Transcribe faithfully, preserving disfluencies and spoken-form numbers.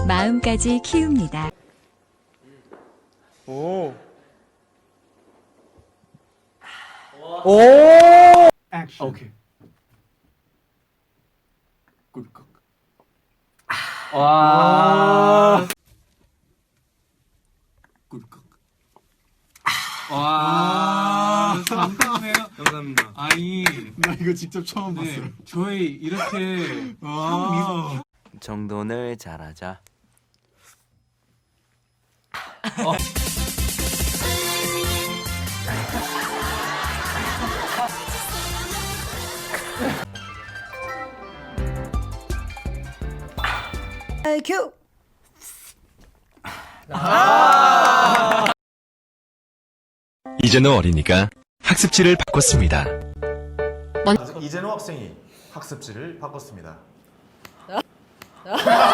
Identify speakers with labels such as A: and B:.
A: 마음까지 키웁니다.
B: 오.
C: 오.
B: 액션. 오케이. 꿀꺽.
C: 와.
B: 꿀꺽.
C: 와. 감사해요.
D: 감사합니다.
C: 아니,
B: 나 이거 직접 처음
C: 네,
B: 봤어요.
C: 저희 이렇게
B: 와.
D: 정돈을 잘하자.
E: 큐.
F: 이제는 어린이가 학습지를 바꿨습니다.
G: 이재노 학생이 학습지를 바꿨습니다.